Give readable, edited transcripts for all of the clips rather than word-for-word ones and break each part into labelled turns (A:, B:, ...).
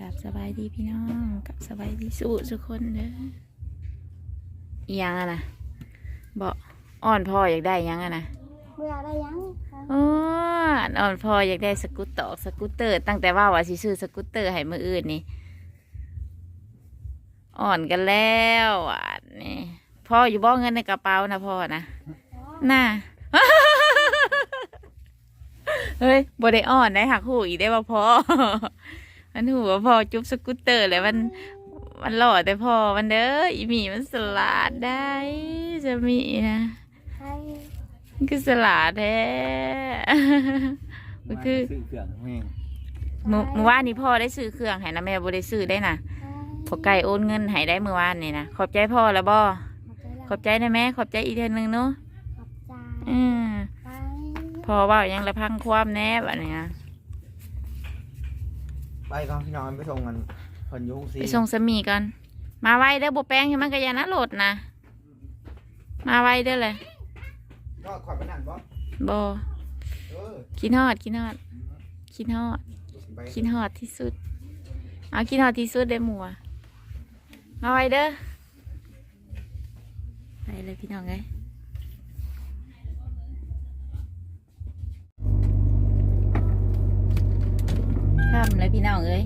A: กับสบายดีพี่น้องกับสบายดีสู้ทุกคนเด้ออีหยังอะนะบอกอ่อนพ่ออยากได้หยังอะนะ
B: เบื่อได้ยังคะ
A: โอ้อ่อนพ่ออยากได้สกูตเตอร์ตั้งแต่ว่าสิซื้อสกูตเตอร์ให้มืออื่นนี่อ่อนกันแล้วอ่ะนี่พ่ออยู่บ่เงินในกระเป๋านะพ่อนะน่า เฮ้ยบ่ได้อ่อนได้หักหูอีกได้ว่าพ่อ มันหูว่าพ่อจุ๊บสกูตเตอร์เลยมันหล่อแต่พ่อมันเด้ออีหมีมันสลัดได้จะมีนะ
B: ใช่
A: มันคือสลัดแท้ มันคือ
C: ซื้อเครื่องแม่ง
A: เมื่อวานนี้พ่อได้ซื้อเครื่องให้นะแม่บ่ได้ซื้อได้นะพอไก่โอนเงินให้ได้เมื่อวานนี่นะขอบใจพ่อแล้วบ่ขอบใจนะแม่ขอบใจอีกเทื่อนึงเนาะ
B: ขอบใจ
A: อืม
B: ไป
A: พ่อเว่ายังละพังความแน่แบบนี้นะ
C: ไปก่อนพี่น้องไปส่งกันเพิ่นอยุ่งซี
A: ไปส่งสามีกันมาไวเด้อบ่แป้งให้มันกระยานะโหลดนะมาไวเด้อเลย
C: ก็ขอไปนั่นบ่
A: บ่
C: เออ
A: คิดฮอดที่สุดเอาคิดฮอดที่สุดได้หมัวมาไวเด้อไปเลยพี่น้องเอ้ยค่ำเลยพี่น้องเอ้ย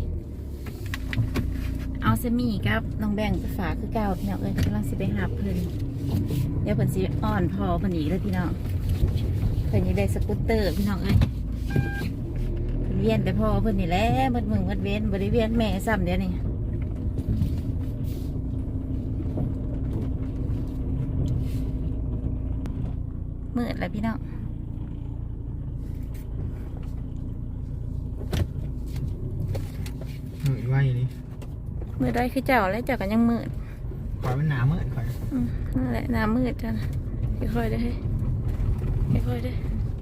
A: เอาสามีกับน้องแบงไปฝากคือเก่าพี่น้องเอ้ยกำลังสิไปหาเพิ่นเดี๋ยวเพิ่นสิอ่อนพอเพิ่นอีกเลยพี่น้องเพิ่นยังได้สกูตเตอร์พี่น้องเอ้ยเพิ่นเวียนแต่พ่อเพิ่นนี่แหละมัดมือมัดเว้นบ่ได้เวียนแม่ซ้ำเดี๋ยวนี้มืดแล้วพี่น้อง
C: มืดไว้นี่
A: มืดได้คือเจ้าแล้วเจ้ากันยังมืด
C: ขอยมันหนามืดขอย
A: นั่นแหละน้ำมืดจ้ะนะค่อยๆได้ให้ค่อยๆได้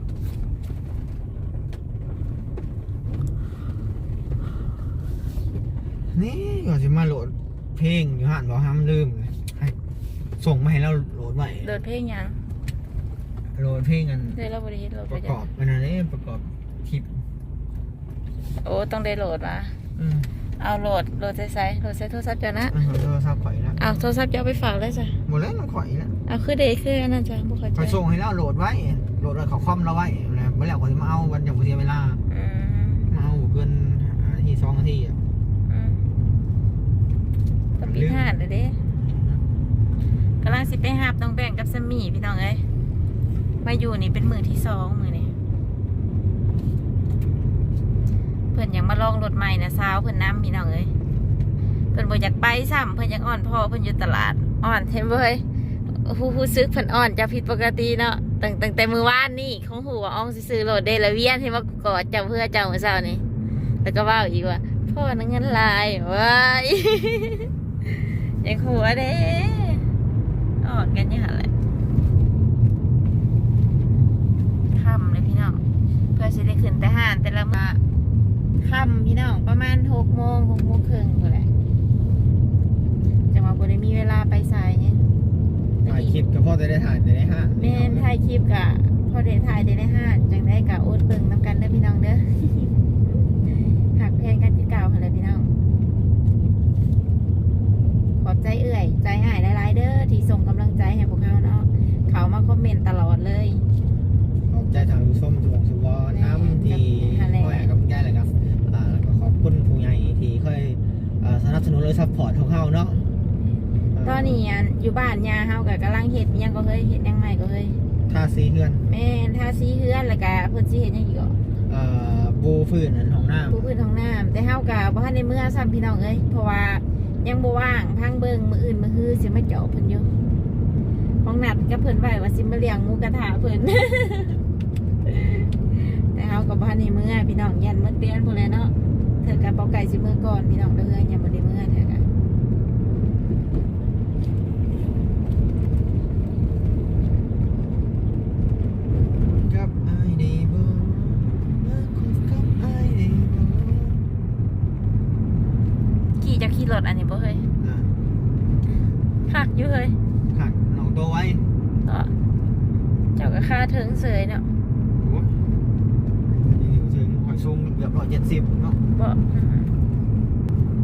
C: นี่ก่อนสิมาโหลดเพลงอยู่หันบ่ห้ามลืมเลยให้ส่งมาให้เราโหลดไว้
A: โดดเพลงยัง
C: โหลดเพลงกัน
A: ได้เราบริเฮ็ดโหลด
C: ป
A: ไประ
C: ก
A: จ้ะ
C: อบเป็นอะไรประกอบคลิป
A: โอ้ต้องได้โหลดมา
C: อืม
A: เอาโหลดโหลดใส่โทรศัพท์จ้ะนะ
C: โทรศัพท์ข่อยแล้ว
A: เอาโทรศัพท์จะเอาไปฝากเลยจ้ะ
C: หมดแล้วมันข่อยแล้ว
A: เอาคือเด็กคืออันนั้นจ้ะบุคคล
C: ข่อย
A: จ้ะ
C: ส่งให้แล้วโหลดไว้โหลดไว้เขาคอมเราไว้แล้วเมื่อไหร่ข่อยจะมาเอาวันอย่างบ่เสียเวลา
A: อืม
C: มาเอาเกินนาที2 นาทีอ่ะ
A: อืมต้องปีห้าเลยเด้กำลังสิไปหาบน้องแบ่งกับสามีพี่น้องเอ้ยมาอยู่นี่เป็นมือที่2มื้อนี่เพิ่นยังมาลองรถใหม่นะสาวเพิ่นน้ำพี่น้องเอ้ยเพิ่นบ่อยากไปซ้ำเพิ่นอยากอ่อนพ่อเพิ่นอยู่ตลาดอ่อนเห็นบ่เฮ้ยผู้ซึกเพิ่นอ่อนจะผิดปกติเนาะตั้งแต่มื้อวานนี่ของหูว่าอ่องสิซื้อรถได้ละเวียนที่มากอดเจ้าเพื่อเจ้ามื้อเช้านี่แล้วก็เว้าอีกว่าพ่อนั่งเงินหลายว้าย อยากหัวเด้อ่อนกันอยู่หั่นแหละค่ำเลยพี่น้องเพื่อสิได้ขึ้นแต่ห้านแต่ละมื้อค่ำพี่น้องประมาณ6 โมง6 โมงครึ่งพุ่นแหละจังหวะบ่ได้มีเวลาไปสายเนี่ย
C: ถ่ายคลิปก็พอจะได้ถ่ายแต่ได้ห้า
A: แม่นถ่ายคลิปกะพอได้ถ่ายได้ในห้านจังได้กะโอดเบิ่งนำกันเด้อพี่น้องเด้อ หักแพงกันคือเก่าหั่นแหละพี่น้องขอบใจเอื่อยใจหายหลายๆเด้อที่ส่งกำลังใจให้พวกเขาเนาะเขามาคอมเมนต์ตลอดเลย
C: ขอบใจทางผู้ชมทุกสุวรรณน้ำที่คอยให้กำลังใจเลยครับแล้วก็ขอบคุณผู้ใหญ่ที่ค่อยสนับสนุนเลยซัพพอร์ตของเขาเนาะ
A: ตอนนี้อยู่บ้านยาเฮากับกำลังเฮ็ดอิหยังก็เฮ้ยเฮ็ดหยังใหม่ก็เฮ้ย
C: ท่าซีเฮือน
A: แม่นทาสีเฮือนแล้วก็เพิ่นสิเฮ็ดหยังอีกอ่ะ
C: บูฟื้นอันของน้
A: ผู้พื้นท้องน้ำแต่เฮาก็บ่ทันได้เมื่อซ้ำพี่น้องเอ้ยเพราะว่ายังบ่ว่างพังเบิ่งมื้ออื่นมื้อฮื้อสิมาเจาะเพิ่นอยู่ของนัดกับเพิ่นไว้ว่าสิมาเลี้ยงหมูกระทะเพิ่น แต่เฮาก็บ่ทันได้เมื่อพี่น้องยันมื้อเดือนพุ่นแหละเนาะเธอกับเปาไก่สิมื้อก่อนพี่น้องเด้อยังบ่ได้เมื่อเธอก็
C: ำกับไอเดบมาคุยกับไอเดบ
A: ขี่จะขี่รถอันนี้บ่เฮ้ยคักอยู่เฮ้ย
C: ขัดน้องตัวไว้
A: เจ้าก็ค่าถึงเสยเนาะ
C: โอ้ยอยู่ถึงหอยซุงเกือบ170เนาะ
A: บ่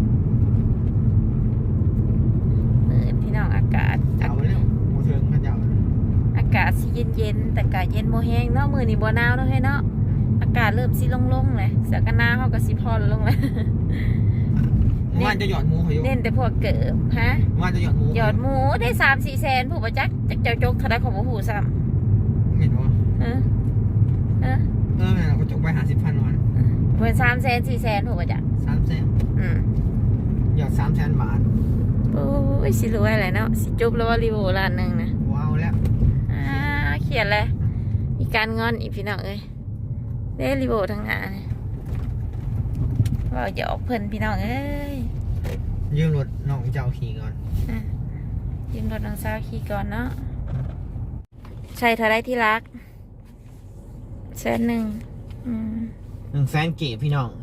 A: ากาศสิเย็นๆแต่อากาศเย็นโมแห้งเนาะมื้อนี้บ่หนาวเนาะให้เนาะอากาศเริ่มสิลงๆเลยเสื้อกันหนาวเขาก็สิผ่อนลงเลย
C: ว่าจะหยอดหมูเขาอยู่
A: เน้นแต่พวกเกิบฮะ
C: ว่าจะหยอดหมู
A: หยอดหมูได้3-4 แสนผู้ประจักษ์จักเจ้าจกเท่าไรของผู้ซ้
C: เห็นว่า
A: ำ
C: แม่เราก็จกไป50,000วัน
A: เหมือน3 แสน 4 แสนผู้ประจักษ์
C: 300,000หยอด300,000 บาท
A: โอ้ยสิรวยอะไรเนาะสิจบแล้วว่ารีโวล้านหนึ่งนะ
C: ว้าวแล้ว
A: เขียนเลยมีการงอนอีกพี่น้องเอ้ยได้รีโวทั้งงานว่าจะออกเพิ่นพี่น้องเอ้ย
C: ยืมรถน้องเจ้าขี่ก่อน
A: ยืมรถน้องสาวขี่ก่อนเนาะใช่เท่าไรที่รัก100,000
C: 100,000 เก็บพี่น้อง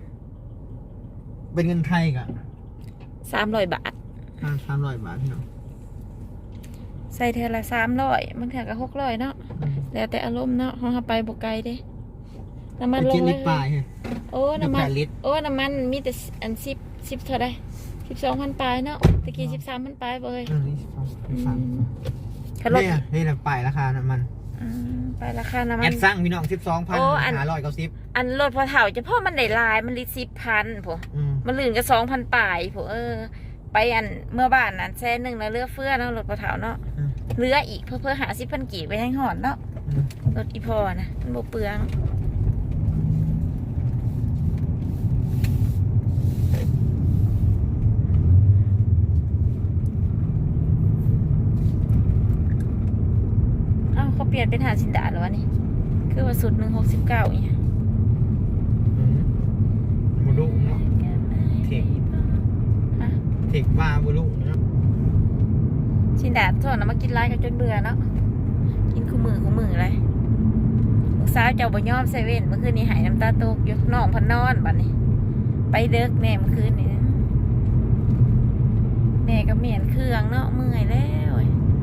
C: เป็นเงินไทยกะ
A: 300 บาท
C: 300 บาทพี่น้อง
A: ใส่เทอละ300บางเทื่อก็600เนาะแล้วแต่อารมณ์เนาะเขาไปบ่ไกลเด้น้ำมันลง
C: ลิ
A: เล
C: ต
A: ย
C: รปลายฮะ
A: โอ้น้ำมัน
C: 8 ลิตร
A: โอ้น้ำมันมีแต่อัน10เท่าไร12,000 ปลายเนาะตะกี้13,000 ปลายเบย
C: ขับรถนี่แหละปลายราคาน้ำมัน
A: ไปราคาน้ำมั
C: แอน ดสร้างพี่น้อง
A: อันรถพอเถ่าจะพ่อมันได้ลายมันลิตร10,000ผมมันลื่นก็2,000 ปลายผมไปอันเมื่อบ้านนั้น100,000แล้วเลือกเฟื่อเนาะรถพอเถ่าเนาะเรืออีกเพื่อหา10,000 กีบไปให้หอนเนาะรถอีพอนะมันบ่เปลืองเขาเปลี่ยนเป็นหาดสินดาหรอวะนี่คือว่าสุด169เนี่ย
C: บุลุเนาะเทคบ้าบุลุเนาะ
A: สินดาส่วนน้ำมากินไล่กันจนเบื่อเนาะกินคู่มือเลยลูกสาวเจ้าบ่ยอมเซเว่นเมื่อคืนนี้หายน้ำตาตกอยู่น้องพันนอนบัดนี้ไปเด็กแม่เมื่อคืนนี้แม่ก็เมียนเครื่องเนาะเมื่อยแล้ว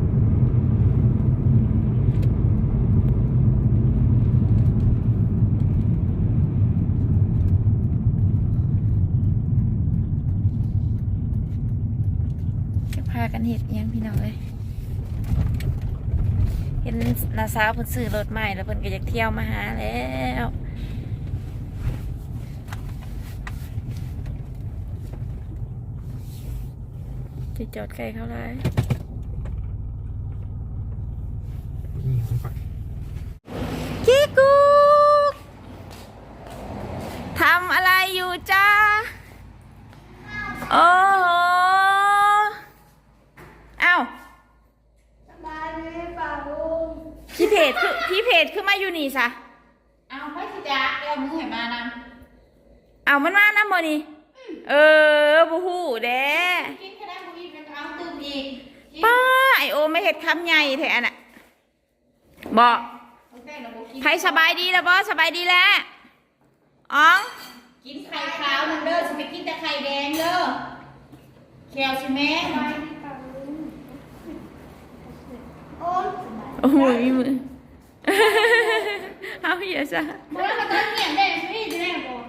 A: พากันเห็ดยังพี่น้องเลยเห็นนาสาวเพิ่นซื้อรถใหม่แล้วเพิ่นก็อยากเที่ยวมาหาแล้วจะจอดไกลเขาเลยคิกุกทำอะไรอยู่จ้าโอ้โหอ้าวพี่เพจคือมาอยู่นี่ซะเอาไม่สิจ้าเดี๋ยวมึงเห็นมานำเอามันมานำบ่นี่บูฮูเด้กินแค่ได้บูอีกเอาตื่นอีกป้าไอโอไม่เห็ดคำใหญ่แท้น่ะบอกใครสบายดีแล้วบอสบายดีแล้วอ๋อกินไข่ขาวนั่นเด้อจะไปกินแต่ไข่แดงเด้อแคลใช่ไหมโอ้ยมือเอาอย่าซะบอกว่าตอนเงียบได้ไม่ได้ได้บอก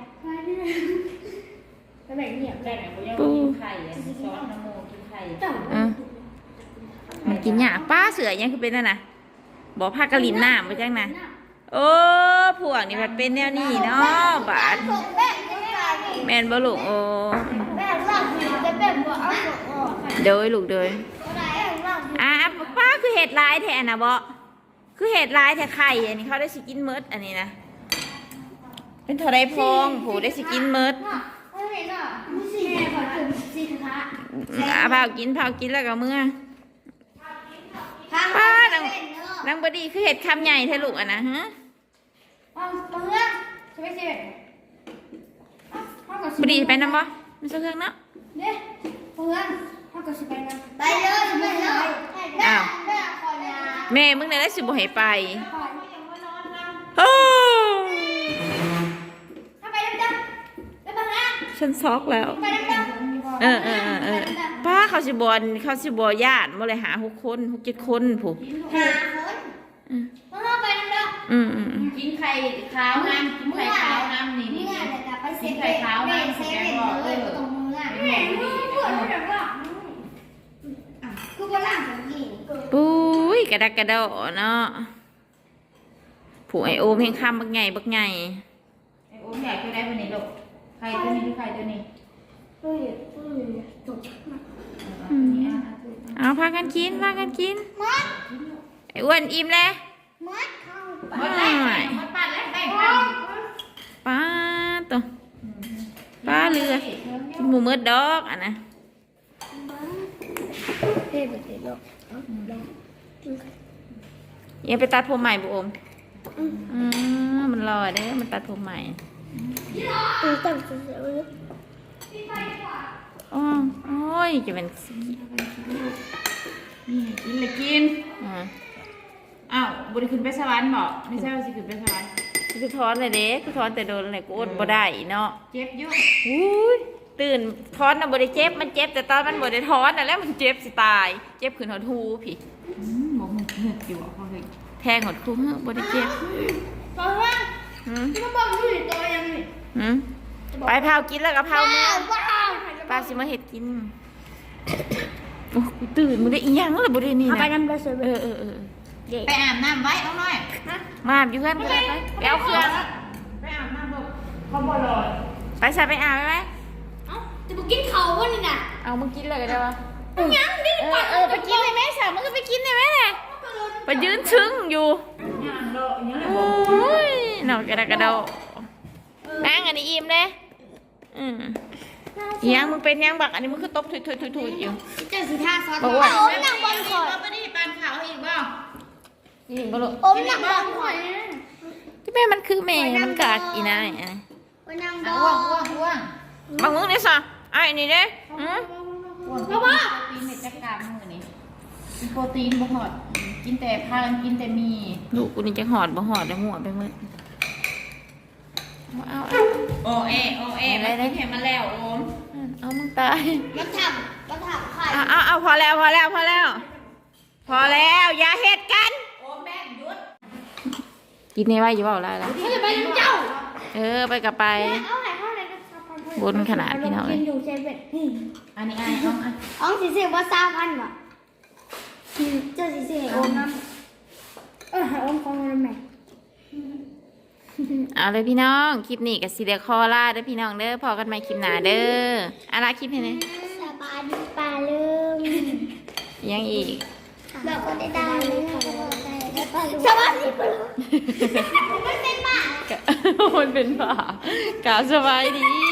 A: ตอนไหนเงียบได้ไหนบอกยังกินไข่ซอสน้ำโมกินไข่มันกินหยาป้าเสือยังคือเป็นนั่นน่ะบอกผ้ากระลินหน้าไปจังนะโอ้พวกนี่มันเป็นแนวนี้เนาะบาดแมนบ่ลูกโอ้เดยลูกเดยป้าคือเห็ดลายแทนนะบ่คือเห็ดลายแทนไข่อันนี้เขาได้สิกินเมิดอันนี้นะเป็นเท่าไรพองผูได้สิกินเมิดเผากินแล้วก็เมื่อป้านางบดีคือเห็ดคำใหญ่แท้ลูกอ่ะนะฮะบดีไปน้ำบ่ไม่ใช่เครื่องเนาะ
B: ไปเลยไม่เลย
A: อ้าวแม่มึงเนี่ยได้สิบ่ให้ไปฉันช็อกแล้วป้าเขาสิบญาติมาเลยหา6-7 คนผู้กินไข่ขาวน้ำกินไข่ขาวน้ำนี่กินไข่ขาวน้ำแกบอกปุ้ยกระดักกระโดดเนาะผูไอโอมเพ่งข้ามบักไงบักไง
D: ไอ้โอ้ใหญ่ตัวได้วันนี้ลูกใครตัวนี้หรือใครตัวนี้
B: จบ
A: เอาพากันกินไออ้วนอิ่มแล้ว
B: มัดเข้า
D: หมดแล้วหมดปัดแล้วแบ่งกัน
A: ป้าตัวป้าเรือกินหมูมืดดอกอ่ะนะ
B: เฮ้ยแบบนี้ลูก
A: ยังไปตัดผมใหม่บุอมมันรอเด้อมันตัดผมใหม่
B: ตั้งเสียเลย
A: โอ้ยจะเป็นสี
D: นี่กินเลยกิน อ้าวบุรีขึ้นไปสวรรค์บอกไม่ใช่ว่าสิขึ้นไปสวรรค์
A: คือท้อนเลยเด้คือท้อนแต่โดนอะไรกูอดบ่ได้เนาะ
D: เจ็บอยุ่
A: อุ้ยตื่นท้อนน่ะบ่ได้เจ็บมันเจ็บแต่ตอนมันบ่ได้ท้อนน่ะแล้วมันเจ็บสิตายเจ็บขึ้นหดหูพี่
D: บอกมึงเหนื่อยอยู่อ่ะพ่อเฮ้ย
A: แทงหดคูบ่ได้เจ็บ
B: ตอนว่า
A: หืม
B: ที่เขาบอกอยู่ตัวยังนี่
A: หืมไปเผากินแล้วก็เผาเมื่อ
B: ว้าว
A: ป้าสิมาเฮ็ดกินโอ้กูตื่นมึงได้อีหยังเลยบ่ได้นี่
B: เอาไป
A: นะ
B: น้ำกระสือ
A: เออ
B: เด็ก
D: ไปอาบน้ำไว้เอาหน่อย
A: มาอยู่เพื่อนก็ได้ไปเอาเครื่อง
D: ไปอาบน้ำลูกเขาบ่รอ
A: ไปใส่ไปอาบไหม
B: เอ้าจะไปกินเขาวะนี่น่ะ
A: เอามึงกินเลยก็ได้ปะ
B: ยังดิ
A: ไปกินเลยแม่สาวมึงก็ไปกินเลยแม่เลยไปยืนชึ้งอยู่
D: ย่างโลอย่างนี้เลย
A: โอ้ยหนอกกระดกกระโดดนั่งอันนี้อิ่มเลยยังมึงเป็นยังบักอันนี้มึงคือตบถุยอยู่
B: เจ้าสีท่าซอส
A: บอกว่า
B: โอ้มนั่งบนขอด
D: ไปดิปานขาวอีกบ่
A: ยิงก็ลูก
B: โอ้มนั่งบนขอด
A: ที่แม่มันคือแม่มันกากอีนายอ่ะ
B: โอ้นั่งบ
D: อ้วนอ้วน
B: น
D: อ้วน
A: บางมึงเนี่ยสะไอ้นี่เด้อืม
D: อ้วนโปรตีนเม็ดจักรมือนี่กินโปรตีนบ่หอดกินแต่พากันกินแต่มี
A: ลูกกูนี่จะหอดบ่หอดได้หัวไปมืดเอา
D: โอเอมาได้เห็นมาแล้วโอม
A: เอามึงตาย
B: มาทำไข่
A: เอาพอแล้วพอแล้วอย่าเฮ็ดกัน
D: โอมแม่หยุด
A: กินในไว้อยู่เปล่าล่ะ
B: เขาจะไปเจ้า
A: ไปกับไป
B: เอาไหนเท่าไหร่ก็ซับพัน
A: บนขนาดพี่น้องเลย
B: กินอยู่เซเว่น
D: อันนี้เอาอัน
B: อ๋อสีเสียว่าซาพันว่ะเจ้าสีเสียโอมน้ำให้โอมของมันแม่
A: เอาเลยพี่น้องคลิปนี้กับซีเดียคอล่าเด้อพี่น้องเด้อพอกันใหม่คลิปหน้าเด้ออะไรคลิปนี้เนี่ย
B: สบายดีป่าเริ่ม
A: ยังอีก
B: แบบก็ได้ดังเลยค่ะสบายดีป่าเริ่มไม่เป็นป่า
A: มันเป็นป่ากาสบายดี